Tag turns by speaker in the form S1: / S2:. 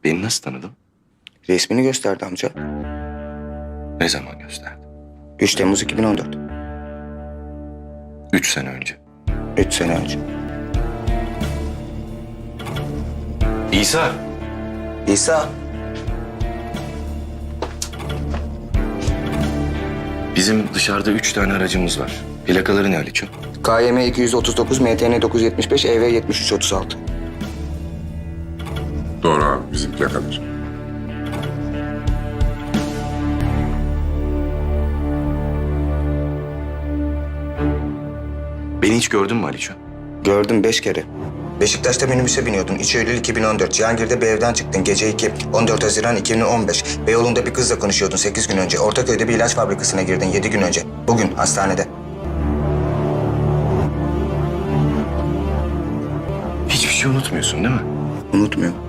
S1: Beni nasıl tanıdın?
S2: Resmini gösterdi amca.
S1: Ne zaman gösterdi?
S2: 3 Temmuz 2014.
S1: 3 sene önce.
S2: 3 sene önce.
S1: İsa.
S2: İsa.
S1: Bizim dışarıda 3 tane aracımız var. Plakaları ne Aliço?
S2: KYM 239, MTN 975, EV 7336.
S3: Doğru abi, bizim plakalar.
S1: Beni hiç gördün mü Aliço?
S2: Gördüm 5 kere. Beşiktaş'ta minibüse biniyordun. 3 Eylül 2014. Cihangir'de bir evden çıktın. Gece 2. 14 Haziran 2015. Beyoğlu'nda bir kızla konuşuyordun 8 gün önce. Ortaköy'de bir ilaç fabrikasına girdin 7 gün önce. Bugün hastanede.
S1: Hiçbir şey unutmuyorsun değil mi?
S2: Unutmuyorum.